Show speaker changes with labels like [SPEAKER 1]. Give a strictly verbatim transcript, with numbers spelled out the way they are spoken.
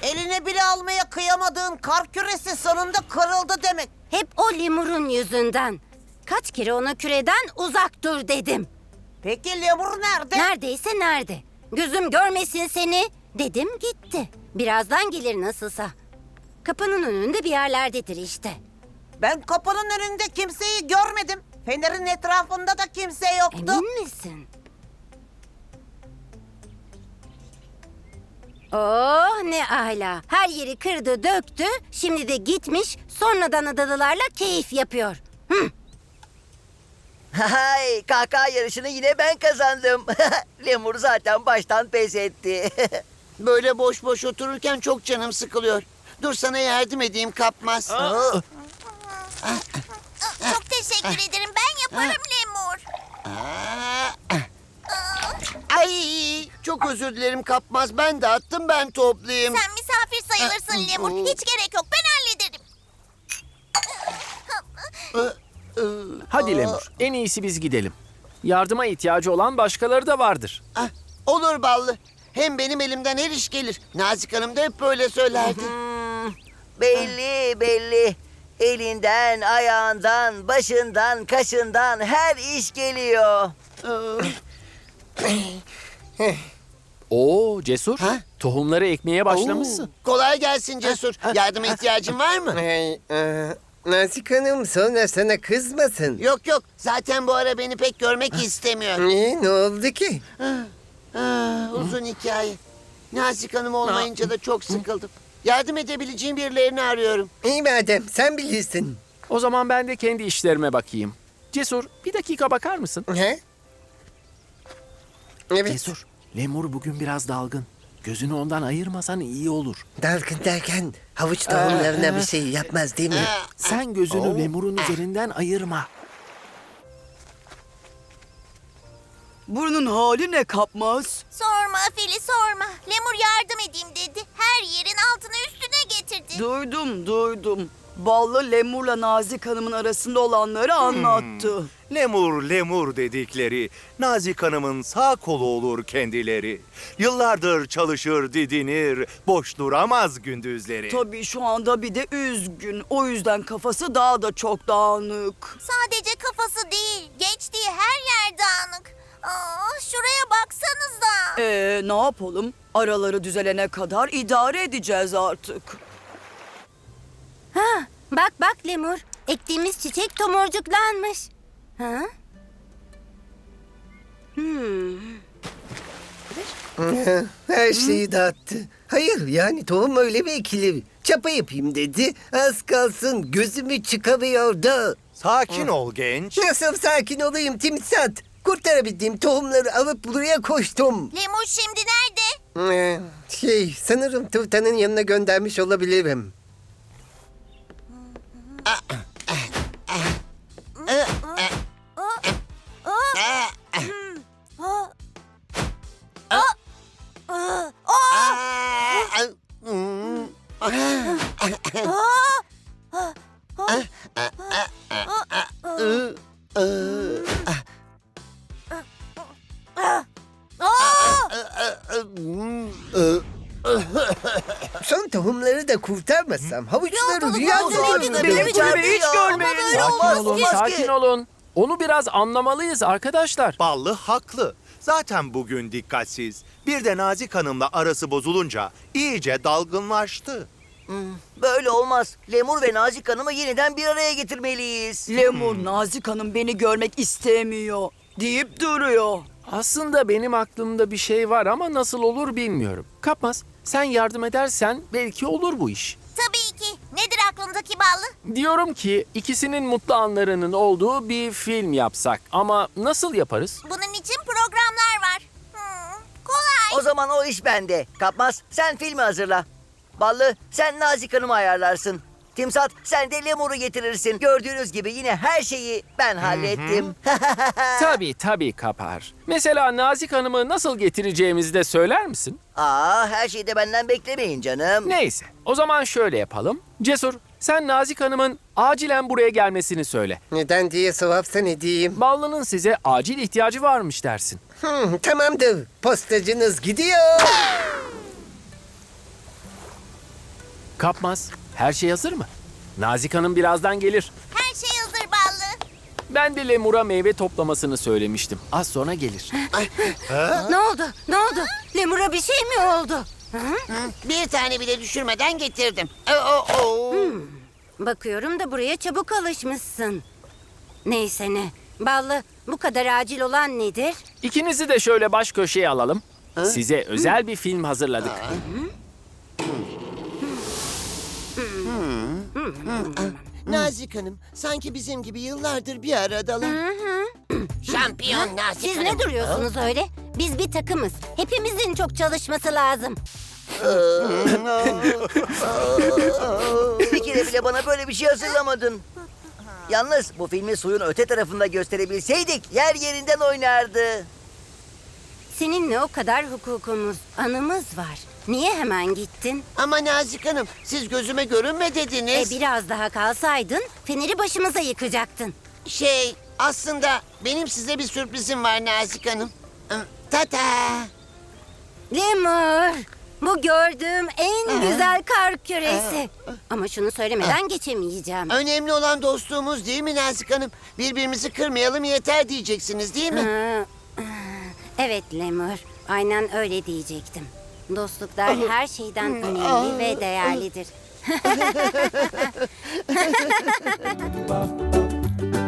[SPEAKER 1] Eline bile almaya kıyamadığın kar küresi sonunda kırıldı demek.
[SPEAKER 2] Hep o lemurun yüzünden. Kaç kere ona küreden uzak dur dedim.
[SPEAKER 1] Peki lemur nerede?
[SPEAKER 2] Neredeyse nerede? Gözüm görmesin seni dedim gitti. Birazdan gelir nasılsa. Kapının önünde bir yerlerdedir işte.
[SPEAKER 1] Ben kapının önünde kimseyi görmedim. Fenerin etrafında da kimse yoktu.
[SPEAKER 2] Emin misin? Oh ne ala. Her yeri kırdı döktü. Şimdi de gitmiş sonradan adalılarla keyif yapıyor. Hı.
[SPEAKER 3] Hay, kahkaha yarışını yine ben kazandım. Lemur zaten baştan pes etti.
[SPEAKER 4] Böyle boş boş otururken çok canım sıkılıyor. Dur sana yardım edeyim Kapmaz.
[SPEAKER 3] Aa,
[SPEAKER 5] Çok teşekkür ederim. Ben yaparım Lemur.
[SPEAKER 4] Ay, çok özür dilerim Kapmaz. Ben de attım, ben toplayayım.
[SPEAKER 5] Sen misafir sayılırsın Lemur. Hiç gerek yok. Ben hallederim.
[SPEAKER 6] Hadi Lemur, en iyisi biz gidelim. Yardıma ihtiyacı olan başkaları da vardır.
[SPEAKER 4] Ah, olur Ballı. Hem benim elimden her iş gelir. Nazik Hanım da hep böyle söylerdi.
[SPEAKER 3] belli belli. Elinden, ayağından, başından, kaşından her iş geliyor.
[SPEAKER 6] Oo Cesur,
[SPEAKER 4] Ha?
[SPEAKER 6] tohumları ekmeye başlamışsın.
[SPEAKER 4] Oo, kolay gelsin Cesur. Yardıma ihtiyacın var mı?
[SPEAKER 7] Hey, e, Nazik Hanım sonra sana kızmasın.
[SPEAKER 4] Yok yok. Zaten bu ara beni pek görmek istemiyor.
[SPEAKER 7] Niye, ne oldu ki?
[SPEAKER 4] Ah, uzun hikaye. Nazik Hanım olmayınca da çok sıkıldım. Yardım edebileceğim birilerini arıyorum.
[SPEAKER 7] İyi madem, sen bilirsin.
[SPEAKER 6] O zaman ben de kendi işlerime bakayım. Cesur, bir dakika bakar mısın?
[SPEAKER 7] He? Evet,
[SPEAKER 6] Cesur, Lemur bugün biraz dalgın. Gözünü ondan ayırmasan iyi olur.
[SPEAKER 7] dalgın derken havuç tohumlarına bir şey yapmaz değil mi?
[SPEAKER 6] Sen gözünü Lemur'un üzerinden ayırma.
[SPEAKER 8] Burnun hali ne Kapmaz?
[SPEAKER 5] Sorma Fili sorma. Lemur yardım edeyim dedi. Her yerin altını üstüne getirdi.
[SPEAKER 8] Duydum duydum. Ballı Lemur'la Nazik Hanım'ın arasında olanları anlattı.
[SPEAKER 9] Lemur lemur dedikleri Nazik Hanım'ın sağ kolu olur kendileri. Yıllardır çalışır didinir, boş duramaz gündüzleri.
[SPEAKER 8] Tabii şu anda bir de üzgün. O yüzden kafası daha da çok dağınık.
[SPEAKER 5] Sadece kafası değil. Geçtiği her yer dağınık. Aa, şuraya baksanıza.
[SPEAKER 8] Ee, ne yapalım? Araları düzelene kadar idare edeceğiz artık.
[SPEAKER 2] Ha, bak bak Lemur. Ektiğimiz çiçek tomurcuklanmış. Ha? Hmm.
[SPEAKER 7] Her şeyi dağıttı. Hayır, yani tohum öyle mi ekilir? Çapa yapayım dedi. Az kalsın gözümü çıkamıyordu.
[SPEAKER 9] Sakin ol genç.
[SPEAKER 7] Nasıl sakin olayım Timsat? Kurtarabildiğim tohumları alıp buraya koştum.
[SPEAKER 5] Lemur şimdi nerede?
[SPEAKER 7] Ee, Şey, sanırım Tuftan'ın yanına göndermiş olabilirim.
[SPEAKER 4] Ah, hmm,
[SPEAKER 7] Son tohumları da kurtarmasam havuçları rüyada
[SPEAKER 5] olmaz,
[SPEAKER 7] görürüm.
[SPEAKER 5] olmaz,
[SPEAKER 8] Benim
[SPEAKER 5] olmaz,
[SPEAKER 8] gibi
[SPEAKER 5] olmaz,
[SPEAKER 8] hiç
[SPEAKER 5] olmaz,
[SPEAKER 8] görmeyin.
[SPEAKER 5] olmaz,
[SPEAKER 6] Sakin
[SPEAKER 3] olmaz,
[SPEAKER 6] olun,
[SPEAKER 3] olmaz
[SPEAKER 6] sakin
[SPEAKER 3] ki.
[SPEAKER 6] olun. Onu biraz anlamalıyız arkadaşlar.
[SPEAKER 9] Ballı haklı. Zaten bugün dikkatsiz. Bir de Nazik Hanım'la arası bozulunca iyice dalgınlaştı.
[SPEAKER 3] Böyle olmaz. Lemur ve Nazik Hanım'ı yeniden bir araya getirmeliyiz.
[SPEAKER 8] Lemur, Nazik Hanım beni görmek istemiyor deyip duruyor.
[SPEAKER 6] Aslında benim aklımda bir şey var ama nasıl olur bilmiyorum. Kapmaz, sen yardım edersen belki olur bu iş.
[SPEAKER 5] Tabii ki. Nedir aklındaki Ballı?
[SPEAKER 6] Diyorum ki ikisinin mutlu anlarının olduğu bir film yapsak. Ama nasıl yaparız?
[SPEAKER 5] Bunun için programlar var. Hmm, kolay.
[SPEAKER 3] O zaman o iş bende. Kapmaz, sen filmi hazırla. Ballı, sen Nazik Hanım'ı ayarlarsın. Timsat, sen de Lemur'u getirirsin. Gördüğünüz gibi yine her şeyi ben hallettim.
[SPEAKER 6] Tabii tabii Kapar. Mesela Nazik Hanım'ı nasıl getireceğimizi de söyler misin?
[SPEAKER 3] Aa, her şeyi de benden beklemeyin canım.
[SPEAKER 6] Neyse, o zaman şöyle yapalım. Cesur, sen Nazik Hanım'ın acilen buraya gelmesini söyle.
[SPEAKER 7] Neden diye sorarsan ne diyeyim?
[SPEAKER 6] Ballı'nın size acil ihtiyacı varmış dersin.
[SPEAKER 7] Hmm, tamamdır. Postacınız gidiyor.
[SPEAKER 6] Kapmaz, her şey hazır mı? Nazik Hanım birazdan gelir.
[SPEAKER 5] Her şey hazır Ballı.
[SPEAKER 6] Ben de Lemur'a meyve toplamasını söylemiştim. Az sonra gelir.
[SPEAKER 2] Ne oldu? Ne oldu? Lemur'a bir şey mi oldu?
[SPEAKER 4] Bir tane bile düşürmeden getirdim. Oo, oo.
[SPEAKER 2] Bakıyorum da buraya çabuk alışmışsın. Neyse ne. Ballı, bu kadar acil olan nedir?
[SPEAKER 6] İkinizi de şöyle baş köşeye alalım. Size özel bir film hazırladık.
[SPEAKER 4] Nazik Hanım, sanki bizim gibi yıllardır bir aradalar. Şampiyon Nazik
[SPEAKER 2] Siz
[SPEAKER 4] Hanım.
[SPEAKER 2] ne duruyorsunuz öyle? Biz bir takımız. Hepimizin çok çalışması lazım.
[SPEAKER 3] Bir kere bile bana böyle bir şey hazırlamadın. Yalnız bu filmi suyun öte tarafında gösterebilseydik yer yerinden oynardı.
[SPEAKER 2] Seninle o kadar hukukumuz, anımız var. Niye hemen gittin?
[SPEAKER 4] Ama Nazik Hanım, siz gözüme görünme
[SPEAKER 2] E
[SPEAKER 4] dediniz.
[SPEAKER 2] biraz daha kalsaydın feneri başımıza yıkacaktın.
[SPEAKER 4] Şey, aslında benim size bir sürprizim var Nazik Hanım. Tata!
[SPEAKER 2] Lemur, bu gördüğüm en güzel kar küresi. Ama şunu söylemeden geçemeyeceğim.
[SPEAKER 4] Önemli olan dostluğumuz değil mi Nazik Hanım? Birbirimizi kırmayalım yeter diyeceksiniz değil mi?
[SPEAKER 2] Ha, Evet Lemur, aynen öyle diyecektim. Dostluklar her şeyden önemli ve değerlidir.